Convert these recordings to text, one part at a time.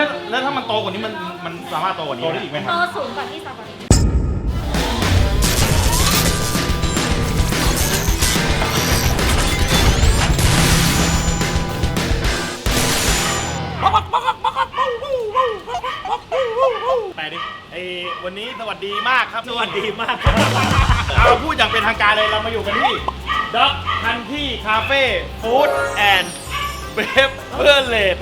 แล้วถ้ามันโตกว่านี้มันสามารถโตกว่านี้ได้อีกไหมคโตรับสูงกว่าที่ซาฟารีไปดิวันนี้สวัสดีมากครับสวัสดีมากเอาพูดอย่างเป็นทางการเลยเรามาอยู่กันที่ด็อกคันที่คาเฟ่ฟู้ดแอนด์เบเวอร์เลด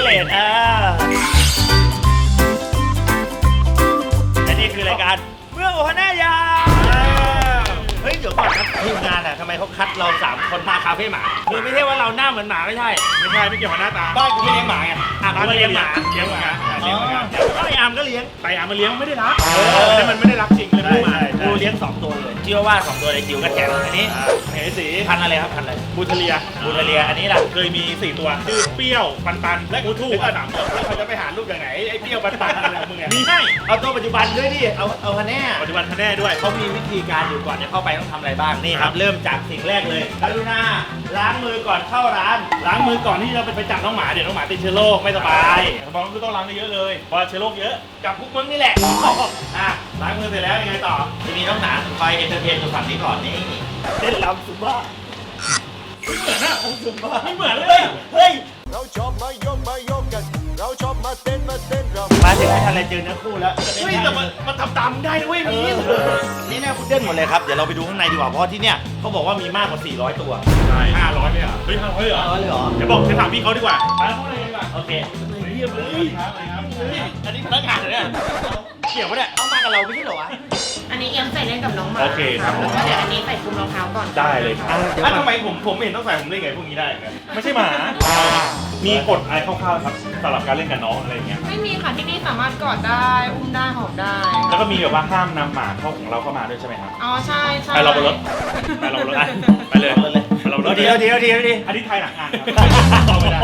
และนี่คือรายการเมืองโอฮาน่ายาเฮ้ยเดี๋ยวก่อนครับทีมงานอ่ะทำไมเขาคัดเรา3คนมาคาเฟ่หมาคือไม่ใช่ว่าเราหน้าเหมือนหมาไม่ใช่ไม่เกี่ยวกับหน้าตาบ้านกูไม่เลี้ยงหมาไงอ่ะเขาเลี้ยงหมาเลี้ยงหมาเลี้ยงเหมือนกันไอ้อาร์มก็เลี้ยงไปอามาเลี้ยงไม่ได้รักแต่มันไม่ได้รักจริงเลยไม่มากูเลี้ยง2ตัวเลยเชื่อว่า2ตัวในคิวก็แข็งอันนี้เหสีพันธุ์อะไรครับพันธุ์อะไรบูทเลียบูทาเลียอันนี้ล่ะเคยมี4ตัวชื่อเปรี้ยวปันและกูทู่แล้วเขาจะไปหาลูกอย่างไหนไอ้เปรี้ยวปันอะไรของมึงเนี่ยมีให้เอาตัวปัจจุบันด้วยดิเอาคะแนนปัจจุบันคะแนนด้วยเขามีวิธีการอยู่ก่อนจะเข้าไปต้องทำอะไรบ้างนี่ครับเริ่มจากสิ่งแรกเลยกรุณาล้างมือก่อนเข้าร้านล้างมือก่อนที่เราไปจับน้องหมาเดี๋ยวน้องหมาติดเชื้อโรคไม่สบายบอกว่าต้องล้างเยอะเลยเพราะเชื้อโรคเยอะกับพวกมึงนี่แหละอ่ะล้างมือเสร็จแล้วยังไงต่อทีนี้ต้องหนาคอยเอนเตอร์เทนตัวฝั่งนี้ก่อนนี่เต้นรำซุมบ้าไม่เหมือนนะซุมบ้าไม่เหมือนเลยเฮ้ยเราชอบมายกกัน เราชอบมาเต้นรำมาถึงไม่ทันอะไรเจอเนื้อคู่แล้วเฮ้ยแต่มันทำตามได้นะเว้ยมีนี่แน่พุดเดิ้ลหมดเลยครับเดี๋ยวเราไปดูข้างในดีกว่าเพราะที่เนี่ยเขาบอกว่ามีมากกว่า400ตัวใช่500ไม่เหรอเฮ้ย500เหรอเลยเหรอเดี๋ยวบอกจะถามพี่เขาดีกว่าไปเข้าเลยดีกว่าโอเคเรียบเลยครับอันนี้พนักงานเหรอเนี่ยเกี่ยวปะเนี่ยเอามากับเราไม่ใช่เหรอวะอันนี้เอียงใส่เล่นกับน้องหมาโอเคครับแล้วก็เดี๋ยวอันนี้ใส่คลุมรองเท้าก่อนได้เลยครับเดี๋ยวทำไมผมไม่เห็นต้องใส่ผมเล่นไงพวกนี้ได้ครับไม่ใช่หมา มีกฎอะไรคร่าวๆครับสำหรับการเล่นกับน้องอะไรอย่างเงี้ยไม่มีค่ะที่นี่สามารถกอดได้ อุ้มได้ หอมได้แล้วก็มีแบบว่าห้ามนำหมาเข้าของเราเข้ามาด้วยใช่ไหมครับอ๋อ ใช่ใช่ไปเราบนรถไปเราบนรถไปเลยไปเราบนรถเดี๋ยวอันนี้ไทยหนักงานครับต่อไม่ได้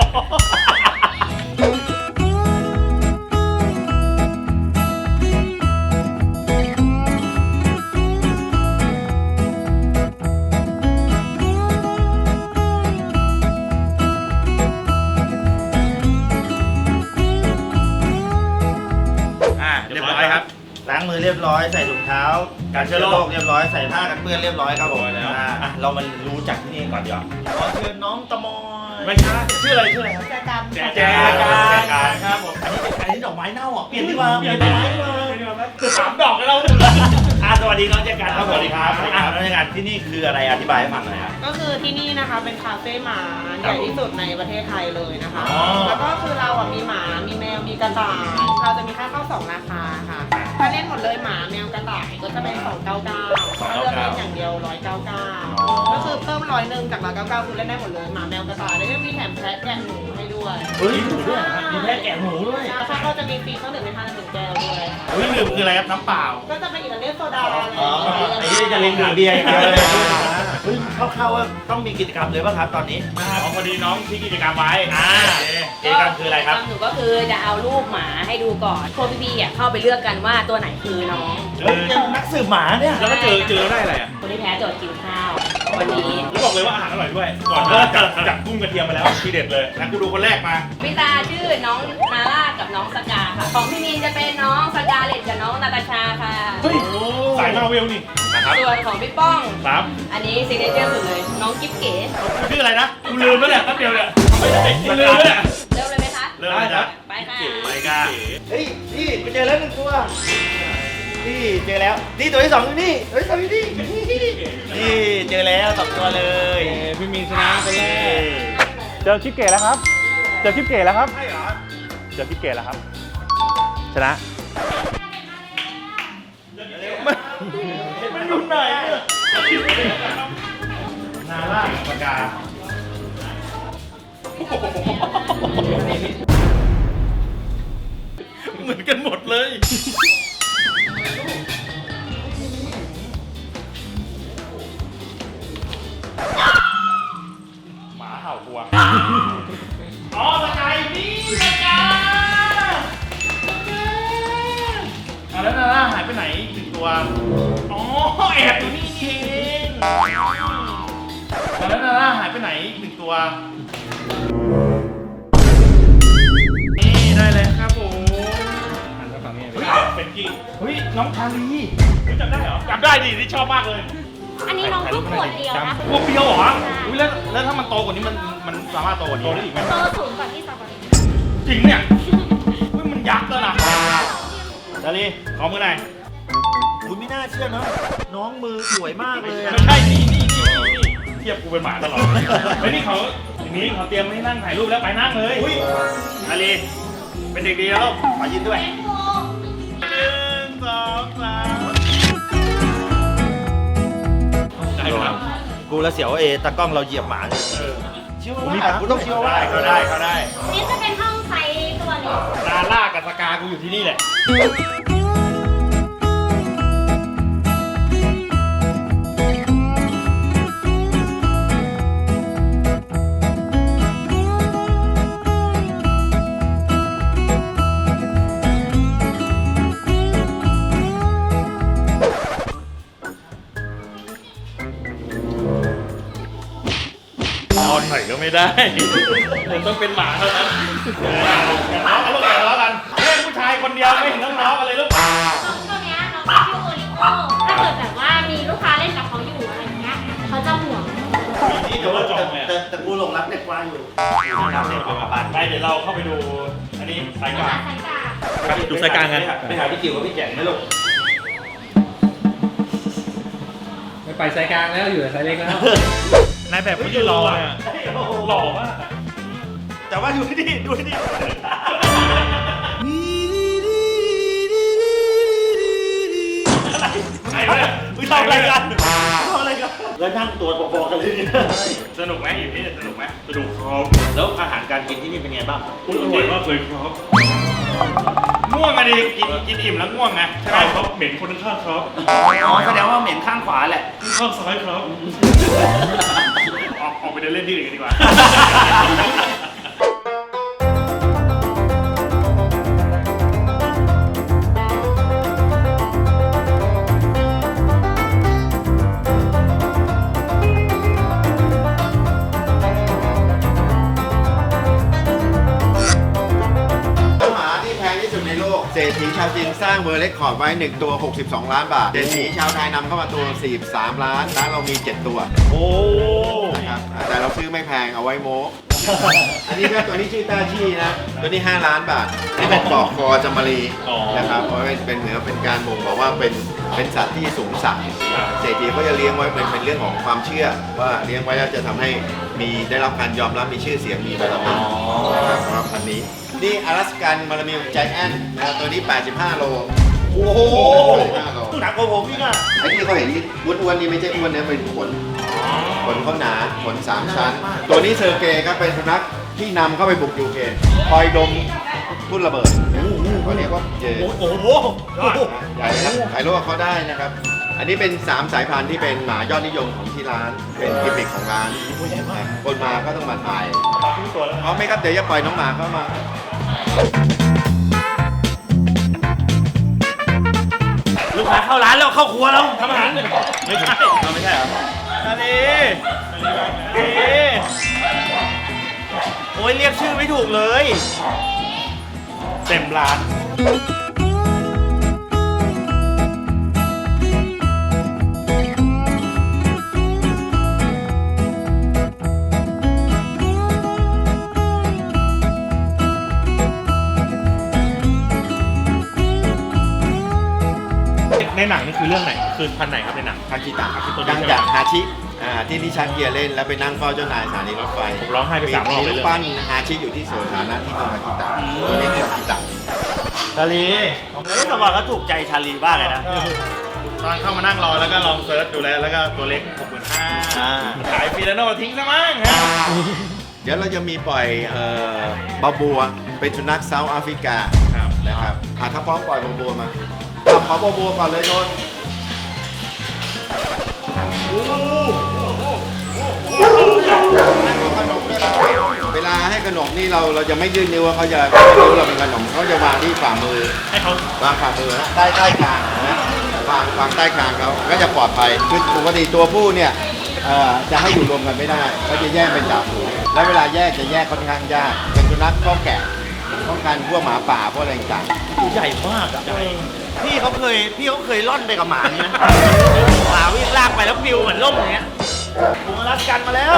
เรียบร้อยครับล้างมือเรียบร้อยใส่ถุงเท้ากันเชื้อโรคเรียบร้อยใส่ผ้ากันเปื้อนเรียบร้อยครับผมแล้วเรามารู้จักที่นี่ก่อนดีกว่าขอเชิญน้องตะมอยไม่ใช่ชื่ออะไรครับแจกันแจกันครับผมอันนี้ดอกไม้เน่าอ่ะเปลี่ยนดีกว่าเปลี่ยนได้สามดอกแล้วสวัสดีน้องแจกันสวัสดีครับน้องแจกันที่นี่คืออะไรอธิบายให้ฟังหน่อยครับก็คือที่นี่นะคะเป็นคาเฟ่หมาใหญ่ที่สุดในประเทศไทยเลยนะคะอ๋อแล้วก็คือเราอ่ะมีหมา มีแมว มีกระต่าย เราจะมีค่าเข้า2ราคาค่ะ ถ้าเล่นหมดเลยหมาแมวกระต่ายก็จะเป็น299ถ้าเลือกเล่นอย่างเดียว199ก็คือเพิ่ม100จาก199คือเล่นได้หมดเลยหมาแมวกระต่ายแล้วก็มีแถมแพะแกะหมูให้ด้วยเฮ้ยหมูด้วยมีแพะแกะหมูด้วยถ้าก็จะมีฟรีเครื่องดื่มในทาน1แก้วด้วยอุ้ยดื่มคืออะไรครับน้ำเปล่าก็จะเป็นอิตาเลียนโซดาอะไรอย่างอ๋อเงี้ยไอ้ที่จะเล่นดื่มเบียร์ครับเฮ้ยคร่าวๆว่าต้องมีกิจกรรมเลยป่ะครับตอนนี้พอดีน้องที่กิจกรรมไว้กิจกรรมคืออะไรครับหนูก็คือจะเอารูปหมาให้ดูก่อนพวกพี่ๆเข้าไปเลือกกันว่าตัวไหนคือน้องเฮ้ยยังนักสืบหมาเนี่ยแล้วก็เจอได้อะไรอ่ะคนที่แพ้โจทย์กินข้าว วันนี้แล้วบอกเลยว่าอาหารอร่อยด้วย ก่อนจับกุ้งกระเทียมมาแล้วทีเด็ดเลยนะกูดูคนแรกมาพี่ตาชื่อน้องนาร่ากับน้องสกาค่ะ ของพี่มีนจะเป็นน้องสกาเลตกับน้องนาตาชาค่ะเฮ้ยสายมาเวลนี่นะครับส่วนของพี่ป้องครับอันนี้ซิกเนเจอร์สุดเลย น้องกิ๊บเก๋ชื่ออะไรนะกูลืมแล้วเนี่ยแป๊บเดียวเนี่ยไม่ได้กูลืมแล้วเนี่ยเริ่มเลยไหมคะเริ่มเลยครับไปค่ะไปกันเฮ้ยนี่กูเจอแล้วหนึ่งตัวนี่เจอแล้วนี่ตัวที่2อยู่นี่ตัวที่2อยู่นี่นี่เจอแล้ว2ตัวเลยพี่มีชนะไปแล้วเจอคลิปเก๋แล้วครับ เจอคลิปเก๋แล้วครับใช่เหรอเจอคลิปเก๋แล้วครับ ชนะมันอยู่ไหนเนี่ยนาล่าปากกาเหมือนกันหมดเลยหมาเห่ากลัวอ๋อสกายนี่สกายแล้วนาล่าหายไปไหนอีกหนึ่งตัว อ๋อแอบอยู่นี่นี่เองแล้วนาล่าหายไปไหนอีกหนึ่งตัว นี่ได้เลยครับผมน้องชาลีจำได้เหรอจำได้ดิที่ชอบมากเลยอันนี้น้องเพิ่งขวดเดียวนะพวกเปรี้ยวเหรออุ้ยแล้วถ้ามันโตกว่านี้มันสามารถโตกว่านี้ได้อีกไหมโตสูงกว่าที่สตรอเบอรี่จริงเนี่ยอุ้ยมันยักษ์แล้วนะชาลีขอมือหน่อยคุณไม่น่าเชื่อเนาะน้องมือสวยมากเลยอะไม่ใช่นี่เทียบกูเป็นหมาตลอดเฮ้ยนี่เขาอย่างนี้เขาเตรียมให้นั่งถ่ายรูปแล้วไปนั่งเลยอุ้ยชาลีเป็นเด็กดีแล้วลูกขอยืนด้วย 1 2 3ได้ครับกูละเสียวตากล้องเราเหยียบหมาเลยเชื่อว่ากูต้องเชื่อว่าเขาได้นี่จะเป็นห้องไซส์ตัวเล็กดาล่ากับสกากูอยู่ที่นี่แหละ นอนหน่อยก็ไม่ได้ผมต้องเป็นหมาเท่านั้นเอาลูกอย่าทะเลาะกันเล่นผู้ชายคนเดียวไม่เห็นต้องทะเลาะกันเลยลูกตัวเนี้ยน้องชื่อโอริโอถ้าเกิดแบบว่ามีลูกค้าเล่นกับเขาอยู่อะไรอย่างเงี้ยเขาจะห่วงนี่เดี๋ยวเราจบเลยแต่กูหลงรักเด็กกวางอยู่ไปเดี๋ยวเราเข้าไปดูอันนี้สายกลางสายตาดูสายกลางกันไปหาพี่จิ๋วกับพี่แจ๋งไหมลูกไม่ไปสายกลางแล้วอยู่แต่สายเล็กแล้วนายแบบเขายืนรอเนี่ยหล่อมากแต่ว่าดูที่นี่ดูที่นี่ใครวะเนี่ยมึงทำอะไรกันทำอะไรกันแล้วนั่งตัวพอๆกันเลยเนี่ยสนุกไหมอยู่ที่นี่สนุกไหมสนุกครับแล้วอาหารการกินที่นี่เป็นไงบ้างอร่อยมากเลยครับง่วงอะดิกินอิ่มแล้วง่วงไงใช่ไหมใช่ครับเหม็นคนข้างครับอ๋อแสดงว่าเหม็นข้างขวาแหละข้างซ้ายครับออกไปเดินเล่นที่อื่นกันดีกว่าหมาที่แพงที่สุดในโลก เศรษฐีชาวจีนสร้างเวอร์เรคคอร์ดไว้ 1 ตัว 62 ล้านบาท เศรษฐีชาวไทยนำเข้ามาตัว 43 ล้านร้านเรามี 7 ตัวโอ้นะครับแต่เราซื้อไม่แพงเอาไว้โม้ อันนี้ก็ตัวนี้ชื่อต้าชี่นะ ตัวนี้ 5 ล้านบาท นี่เป็นปลอกคอจำมารีนะครับเพราะว่าเป็นเหมือนเป็นการบ่งบอกว่าเป็นสัตว์ที่สูงสักดิ์เศรษฐีก็จะเลี้ยงไว้เป็นเรื่องของความเชื่อ ว่าเลี้ยงไว้แล้วจะทำให้มีได้รับการยอมรับมีชื่อเสียงมีบารมีนะครับสำหรับพันธุ์นี้ นี่อลาสกันมารามิลใจแอนนะครับตัวนี้ 85 โลโอ้โห 85 โลหนักกว่าผมพี่อ่ะไอ้ที่เขาเห็นอ้วนๆนี่ไม่ใช่อ้วนนะเป็นขนเขาหนาขน3 ชั้น ตัวนี้เซอร์เกย์ครับเป็นสุนัขที่นำเข้าไปบุกยูเครนคอยดมทุ่นระเบิดเขาเรียกว่าเจโอ้โหใหญ่ครับถ่ายรูปกับเขาได้นะครับ อันนี้เป็น 3 สายพันธุ์ที่เป็นหมายอดนิยมของที่ร้าน เป็นกิมมิคของร้านคนมาก็ต้องมาถ่ายเอาไหมครับเดี๋ยวจะปล่อยน้องหมาเข้ามาลูกค้าเข้าร้านแล้วเข้าครัวแล้วทำอาหารไม่ใช่ไม่ใช่เหรออันนี้โอ้ยเรียกชื่อไม่ถูกเลยเต็มร้านในหนังนี่คือเรื่องไหน คือพันไหนครับในหนังคาคิตะตัวนี้ดังจากฮาชิที่นิชักเกียร์เล่นแล้วไปนั่งเฝ้าเจ้านายสถานีรถไฟผมร้องไห้ไป3 รอบเลยมีรูปปั้นฮาชิอยู่ที่สวนสาธารณะที่เมืองคาคิตะตัวนี้คือคาคิตะชาลีเฮ้ยแต่ว่าเขาถูกใจชาลีบ้างเลยนะตอนเข้ามานั่งรอแล้วก็ลองเซิร์ชดูแล้วก็ตัวเล็ก 65,000ขายฟิลาโนทิ้งซะมั้งฮะเดี๋ยวเราจะมีปล่อยบาบัวเป็นสุนัขเซาท์แอฟริกาครับนะครับถ้าพร้อมปล่อยบาบัวมาขอบาบัวก่อนเลยโดนเวลาให้ขนมนี่เราจะไม่ยื่นนิ้วว่าเขาจะไม่รู้เราเป็นขนมเขาจะวางที่ฝ่ามือให้เขาวางฝ่ามือนะใต้คางนะวางใต้คางเขาก็จะปลอดภัยคือปกติตัวผู้เนี่ยจะให้อยู่รวมกันไม่ได้เขาจะแยกเป็นจ่าฝูงแล้วเวลาแยกจะแยกค่อนข้างยากเป็นสุนัขข้อแกะป้องกันพวกหมาป่าพวกอะไรต่างตัวใหญ่มากอ่ะๆพี่เขาเคยล่อนไปกับหมานี่นะหมาวิ่งลากไปแล้วปิวเหมือนล่มอย่างเงี้ยผมรัดกันมาแล้ว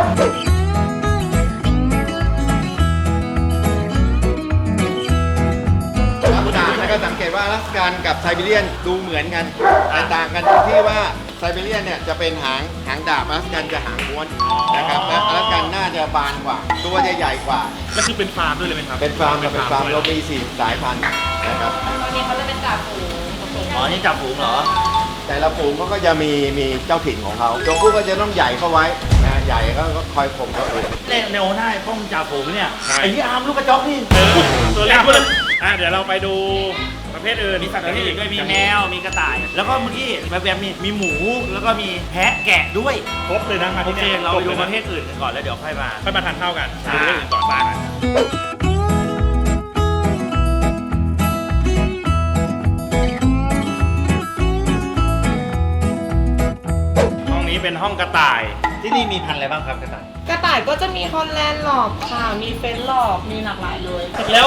ลักษณะแล้วก็สังเกตว่าอลาสกันกับไซบีเรียนดูเหมือนกันแต่ต่างกันตรงที่ว่าไซบีเรียนเนี่ยจะเป็นหางดาบอลาสกันจะหางม้วนนะครับและอลาสกันหน้าจะบานกว่า ตัวจะใหญ่กว่าแล้วคือเป็นฟาร์มด้วยเลยไหมครับเป็นฟาร์มเรามี4 สายพันธุ์นะครับตอนนี้เขาจะเป็นจ่าฝูงอ๋อ นี่จับฝูงเหรอแต่ละฝูงเขาก็จะมีเจ้าถิ่นของเขาตัวผู้ก็จะต้องใหญ่เข้าไว้นะใหญ่ก็คอยข่มตัวอื่นเล่นในโอน่าป้องจ่าฝูงเนี่ย ไอ้ที่อาร์มลูกกระจอกนี่ตัวเล็กด้วยเดี๋ยวเราไปดูประเภทอื่นมีสัตว์ประเภทอื่นด้วยมีแมว มีกระต่าย แล้วก็เมื่อกี้แบบๆมีหมู แล้วก็มีแพะแกะด้วยครบเลยนะมาโอที่เคเนี่ยเราไปดูคปบระเภทอื่นกันก่อนแล้วเดี๋ยวค่อยมาค่อยมาทานข้าวกันใช่ดูเรื่องอื่นก่อนบ้านห้องนี้เป็นห้องกระต่ายที่นี่มีพันธุ์อะไรบ้างครับกระต่ายกระต่ายก็จะมีฮอลแลนด์หลอบค่ะ มีเฟรนช์หลอบ มีหลากหลายเลยแล้ว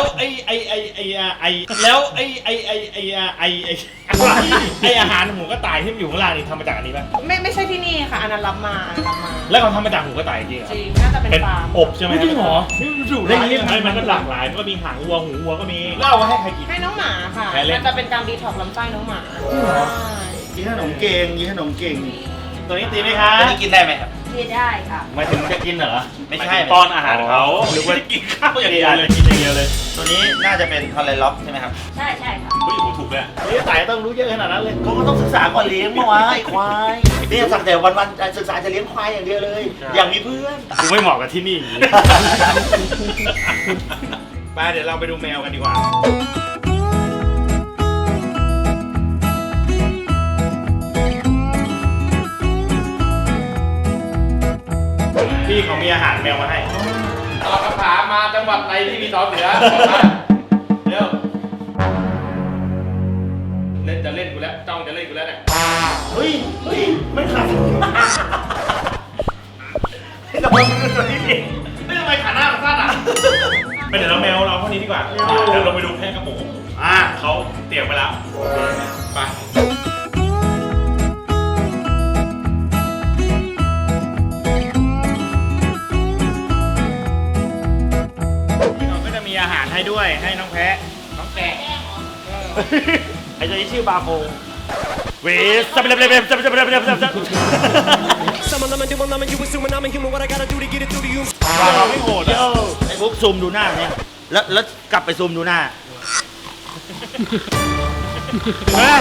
แล้วอาหารหมูกระต่ายที่มันอยู่ข้างล่างนี่ทำมาจากอันนี้ป่ะไม่ใช่ที่นี่ค่ะ อันนั้นรับมาแล้วเขาทำมาจากหมูกระต่ายจริงเหรอจริง น่าจะเป็นเป็นฟาร์มอบใช่ไหมจริงเหรอนี่มันอยู่ได้ยังไงมันก็หลากหลายมันก็มีหางวัวหูวัวก็มีเล่าว่าให้ใครกินให้น้องหมาค่ะแพ้เล่นมันจะเป็นการดีท็อกซ์ลำไส้น้องหมาใช่กินขนมเก่งกินขนมเก่งตัวนี้ตีไหมคะตัวนี้กินได้ไหมครับกินได้ค่ะหมายถึงจะกินเหรอไม่ใช่ป้อนอาหารเขาหรือว่าไม่ได้กินข้าวอย่างเดียวเลยกินอย่างเดียวเลยตัวนี้น่าจะเป็นคอลเลล็อกใช่ไหมครับใช่ค่ะเฮ้ยโหถูกเลยอะนี่สายต้องรู้เยอะขนาดนั้นเลยก็ต้องศึกษาก่อนเลี้ยงเมื่อวานไอ้ควายนี่สักแต่วันๆศึกษาจะเลี้ยงควายอย่างเดียวเลย อยากมีเพื่อนกูไม่เหมาะกับที่นี่ ไปเดี๋ยวเราไปดูแมวกันดีกว่า พี่เขามีอาหารแมวมาให้ตอบคำถามมาจังหวัดไหนที่มีสอเสือเร็วเล่นจะเล่นกูแล้วจ้องจะเล่นกูแล้วเนี่ยเฮ้ยไม่ขาดแต่มันเป็นตัวนี้ไม่ทำไมขาหน้ามันสั้นอ่ะไปเดี๋ยวเราแมวเราเท่านี้ดีกว่า เดี๋ยวเราไปดูแพะกับหมูเขาเตรียมไปแล้ว ไปเราก็จะมีอาหารให้ด้วยให้น้องแพะน้องแกะไอ้ตัวนี้ชื่อบาโฟเวสซับเล็บซับ เราไม่โหดอ่ะไอ้พวกซูมดูหน้าเนี่ยแล้วกลับไปซูมดูหน้าเฮ้ย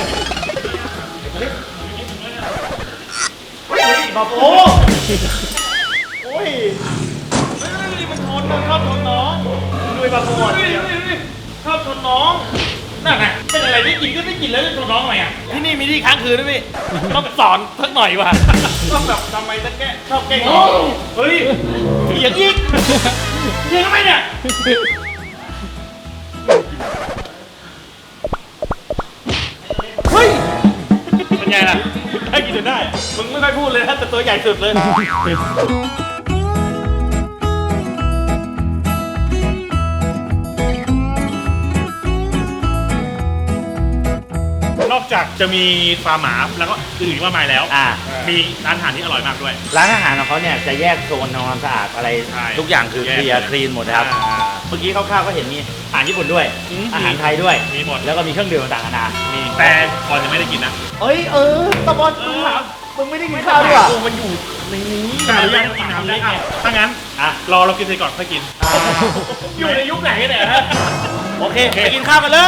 บาโฟโอ้ยมันชนมันชอบชนน้องดูไอ้บาโฟอ่ะชอบชนน้องนั่นไงเป็นอะไรได้กินก็ได้กินแล้วจะชนน้องทำไมอ่ะที่นี่มีที่ค้างคืนด้วยพี่ต้องสอนสักหน่อยว่ะต้องแบบทำไมตะแกะชอบแกล้งน้องเฮ้ยอย่างอีกยิงทำไมเนี่ยเฮ้ยเป็นไงล่ะได้กินจนได้มึงไม่ค่อยพูดเลยนะแต่ตัวใหญ่สุดเลยนอกจากจะมีฟาร์มหมาแล้วก็อื่นๆมากมายแล้ว มีร้านอาหารที่อร่อยมากด้วยร้านอาหารของเขาเนี่ยจะแยกโซนทำความสะอาดอะไรใช่ทุกอย่างคือแยเคกลียร์คลีนหมดนะครับ เมื่อกี้คร่าวๆก็เห็นมีอาหารญี่ปุ่นด้วย อาหารไทยด้วยมีหมดแล้วก็มีเครื่องดื่มต่างๆนานามีแต่ก่อนจะไม่ได้กินนะเอ้ยตะบอลมึงถามมึงไม่ได้กินข้าวด้วยกูมันอยู่ในนี้กล้าหรือยังกินน้ำได้ถ้างั้นรอเรากินเสร็จก่อนค่อยกินอยู่ในยุคไหนเนี่ยฮะโอเคไปกินข้าวกันเลย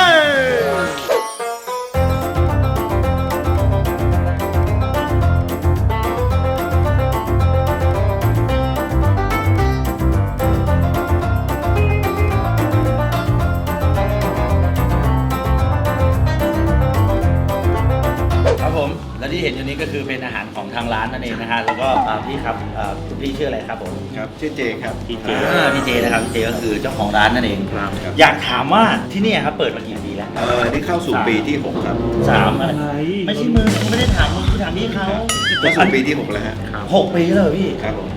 ครับผม และที่เห็นอยู่นี้ก็คือเป็นอาหารของทางร้านนั่นเองนะฮะ แล้วก็พี่ครับคุณพี่ชื่ออะไรครับผมครับชื่อเจครับพี่เจพี่เจนะครับพี่เจก็คือเจ้าของร้านนั่นเองครับอยากถามว่าที่เนี่ยครับเปิดมากี่ปีแล้วนี่เข้าสู่ปีที่ 6 ครับ 3อะไรไม่ใช่มึงไม่ได้ถามมึงคือถามพี่เขาเข้าสู่ปีที่ 6 แล้วฮะ 6 ปีแล้วเหรอพี่ครับผม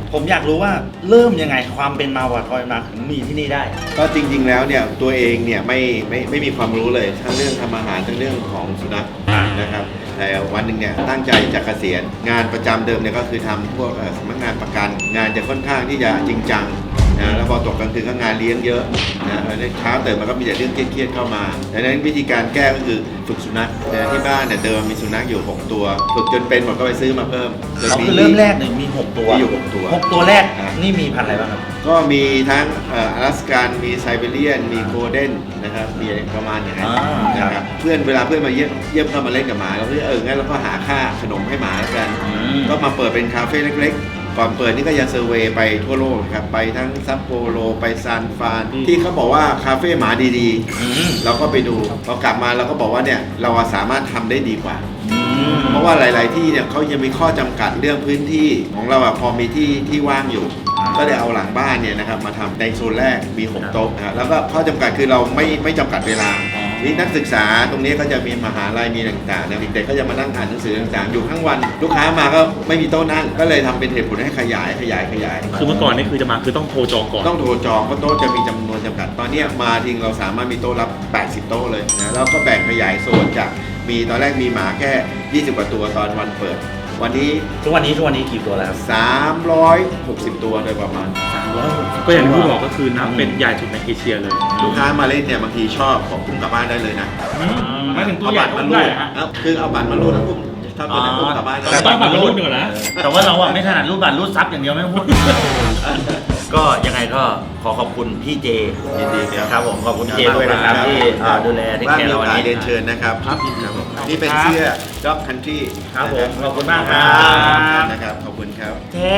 ผมอยากรู้ว่าเริ่มยังไงความเป็นมาว่าทอยมาถึงมีที่นี่ได้ก็จริงๆแล้วเนี่ยตัวเองเนี่ยไม่มีความรู้เลยทั้งเรื่องทำอาหารทั้งเรื่องของสุนัขนะครับแต่วันหนึ่งเนี่ยตั้งใจจะเกษียณงานประจำเดิมเนี่ยก็คือทำพวกสำนักงานประกันงานจะค่อนข้างที่จะจริงจังนะแล้วพอตกกลางคืนก็งานเลี้ยงเยอะนะแล้วเช้าตื่นมาก็มีแต่เรื่องเครียดๆเข้ามาดังนั้นวิธีการแก้ก็คือฝึกสุนัขนะที่บ้านเนี่ยเดิมมีสุนัขอยู่6ตัวฝึกจนเป็นหมดก็ไปซื้อมาเพิ่มเราคือเริ่มแรกเนี่ยมี 6 ตัวมีอยู่6ตัว 6 ตัวแรกนี่มีพันธุ์อะไรบ้างครับก็มีทั้งอลาสกันมีไซบีเรียนมีโกลเด้นนะครับมีประมาณอย่างนั้นนะครับเพื่อนเวลาเพื่อนมาเยี่ยมเข้ามาเล่นกับหมาเราก็งั้นเราก็หาค่าขนมให้หมาแล้วกันก็มาเปิดเป็นคาเฟ่เล็กๆก่อนเปิดนี่ก็ยังเซอร์เวย์ไปทั่วโลกครับไปทั้งซัปโปโรไปซานฟรานที่เขาบอกว่าคาเฟ่หมาดีๆเราก็ไปดูพอกลับมาเราก็บอกว่าเนี่ยเราสามารถทำได้ดีกว่าเพราะว่าหลายๆที่เนี่ยเขายังมีข้อจำกัดเรื่องพื้นที่ของเราพอมีที่ว่างอยู่ก็ได้เอาหลังบ้านเนี่ยนะครับมาทำในโซนแรกมี6โต๊ะนะครับแล้วก็ข้อจำกัดคือเราไม่จำกัดเวลานี่นักศึกษาตรงนี้ก็จะมีมหาลัยมีต่างๆนะเด็กๆก็จะมานั่งอ่านหนังสือต่างๆอยู่ทั้งวันลูกค้ามาก็ไม่มีโต๊ะนั่งก็เลยทำเป็นเหตุผลให้ขยายคือเมื่อก่อนนี่คือจะมาคือต้องโทรจองก่อนต้องโทรจองเพราะโต๊ะจะมีจำนวนจำกัดตอนนี้มาทิ้งเราสามารถมีโต๊ะรับ80โต๊ะเลยนะแล้วก็แบ่งขยายโซนจากมีตอนแรกมีหมาแค่20กว่าตัวตอนวันเปิดวันนี้ทุกวันนี้กี่ตัวแล้วครับ 360ตัวโดยประมาณก็อย่างที่พี่บอกก็คือนับเป็นใหญ่สุดในเอเชียเลยลูกค้ามาเล่นเนี่ยบางทีชอบของพุ่งกลับบ้านได้เลยนะมาถึงตัวใหญ่ก็ได้ฮะคือเอาบัตรมารูดแล้วพุ่งถ้าตัวไหนพุ่งกลับบ้านแต่ต้องบัตรมารูดหนึ่งนะแต่ว่าเราไม่ถนัดรูดบัตรรูดซับอย่างเดียวไม่พูดก็ยังไงก็ขอขอบคุณพี่เจยินดีครับผมขอบคุณเจด้วยนะครับที่ดูแลที่แคร์เราวันนี้เรียนเชิญนะครับครับนี่เป็นเสื้อ Dog Country ครับผมขอบคุณมากครับนะครับขอบคุณครับ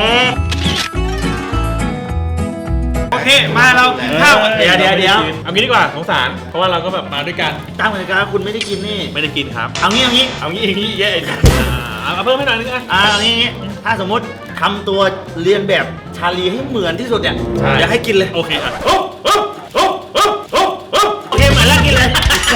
โอเคมาเรากินข้าวเดี๋ยวเอางี้ดีกว่าสงสารเพราะว่าเราก็แบบมาด้วยกันตั้งเหมือนกันคุณไม่ได้กินนี่ไม่ได้กินครับเอางี้อย่างนี้เยอะเอาเพิ่มให้หน่อยนึงเอางี้ถ้าสมมติทำตัวเรียนแบบชาลีให้เหมือนที่สุดเนี่ยอยากให้กินเลยโอเคอ่ะโอเคเหมือนแล้วกินเลย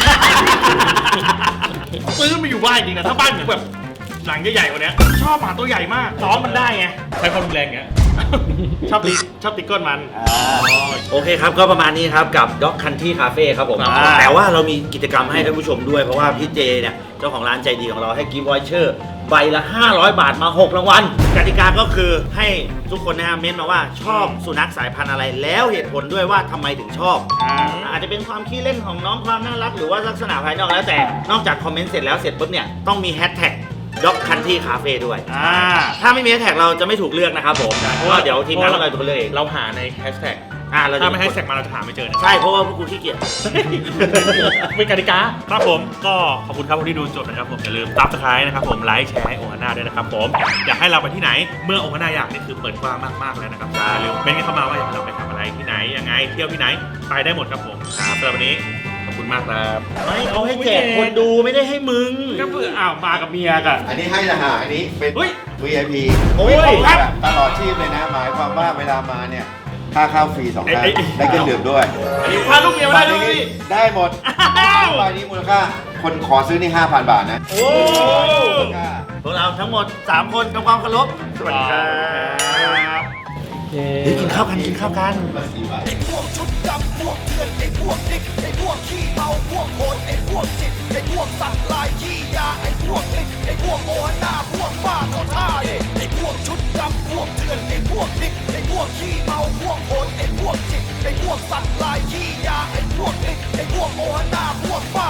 ซื้อมาอยู่บ้านจริงนะถ้าบ้านแบบหลังใหญ่ๆกว่านี้ชอบหมาตัวใหญ่มากซ้อมมันได้ไงใช้ความรุนแรงเงี้ยชอบตีก้นมันโอเคครับก็ประมาณนี้ครับกับ Dog Country Cafe ครับผมแต่ว่าเรามีกิจกรรมให้ท่านผู้ชมด้วยเพราะว่าพี่เจเนี่ยเจ้าของร้านใจดีของเราให้กิฟต์วอเชอร์ใบละ500 บาทมา6รางวัลกติกาก็คือให้ทุกคนนะฮะเม้นมาว่าชอบสุนัขสายพันธุ์อะไรแล้วเหตุผลด้วยว่าทำไมถึงชอบอาจจะเป็นความขี้เล่นของน้องความน่ารักหรือว่าลักษณะภายนอกแล้วแต่นอกจากคอมเมนต์เสร็จแล้วเสร็จปุ๊บเนี่ยต้องมีแฮชแท็กDog Country Cafe ด้วยถ้าไม่มีแฮชแท็กเราจะไม่ถูกเลือกนะครับผมเพราะว่าเดี๋ยวทีมงานเราจะเลือกเองเราหาในแฮชแท็กถ้าไม่แฮชแท็กมาเราจะหาไม่เจอใช่เพราะว่าพวกกูขี้เกียจเป็นกติกาครับผมก็ขอบคุณครับที่ดูจบนะครับผมอย่าลืมซับสไครต์นะครับผมไลค์แชร์ให้โอฮาน่าด้วยนะครับผมอยากให้เราไปที่ไหนเมื่อโอฮาน่าอยากนี่คือเปิดกว้างมากๆแล้วนะครับอย่าลืมเป็นกันเข้ามาว่าอยากให้เราไปทำอะไรที่ไหนยังไงเที่ยวที่ไหนไปได้หมดครับผมสำหรับวันนี้ขอบคุณมากครับไม่เขาให้แจกคนดูไม่ได้ให้มึงก็เพื่อมากับเมียกันอันนี้ให้ละหาอันนี้เป็น VIP โอ้ยตลอดชีพเลยนะหมายความว่าเวลามาเนี่ยค่าข้าวฟรี2 ครั้งได้เครื่องดื่มด้วยพาลูกเมียมาได้ด้วยได้หมดใบนี้มูลค่าคนขอซื้อนี่ 5,000 บาทนะโอ้พวกเราทั้งหมด3คนทำความเคารพสวัสดีครับกินข้าวกันไอ้พวกชุดดำพวกเถื่อนไอ้พวกดิ๊กไอ้พวกขี้เมาพวกโหดไอ้พวกจิตไอ้พวกสัตว์ลายขี้ยาไอ้พวกลิกไอ้พวกโอฮาน่าพวกบ้าเขาท่าไอ้พวกชุดดำพวกเถื่อนไอ้พวกดิ๊กไอ้พวกขี้เมาพวกโหดไอ้พวกจิตไอ้พวกสัตว์ลายขี้ยาไอ้พวกลิกไอ้พวกโอฮาน่าพวกบ้า